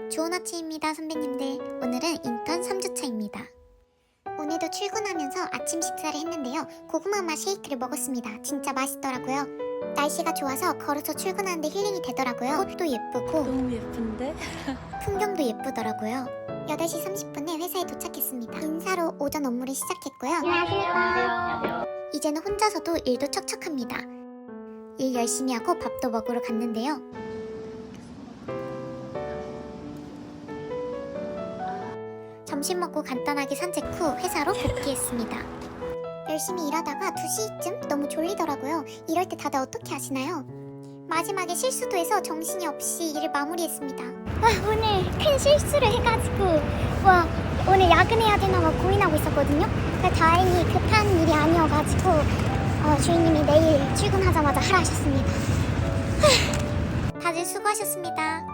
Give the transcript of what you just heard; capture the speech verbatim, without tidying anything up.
좋은 아침입니다, 선배님들. 오늘은 인턴 삼 주차입니다. 오늘도 출근하면서 아침 식사를 했는데요. 고구마 맛 쉐이크를 먹었습니다. 진짜 맛있더라고요. 날씨가 좋아서 걸어서 출근하는데 힐링이 되더라고요. 꽃도 예쁘고 너무 예쁜데? 풍경도 예쁘더라고요. 여덟 시 삼십 분에 회사에 도착했습니다. 인사로 오전 업무를 시작했고요. 안녕하세요. 이제는 혼자서도 일도 척척합니다. 일 열심히 하고 밥도 먹으러 갔는데요. 점심 먹고 간단하게 산책 후 회사로 복귀했습니다. 열심히 일하다가 두 시쯤 너무 졸리더라고요. 이럴 때 다들 어떻게 하시나요? 마지막에 실수도 해서 정신이 없이 일을 마무리했습니다. 와, 오늘 큰 실수를 해가지고 와 오늘 야근해야 되나 막 고민하고 있었거든요. 근데 다행히 급한 일이 아니어가지고 어, 주인님이 내일 출근하자마자 하라 하셨습니다. 다들 수고하셨습니다.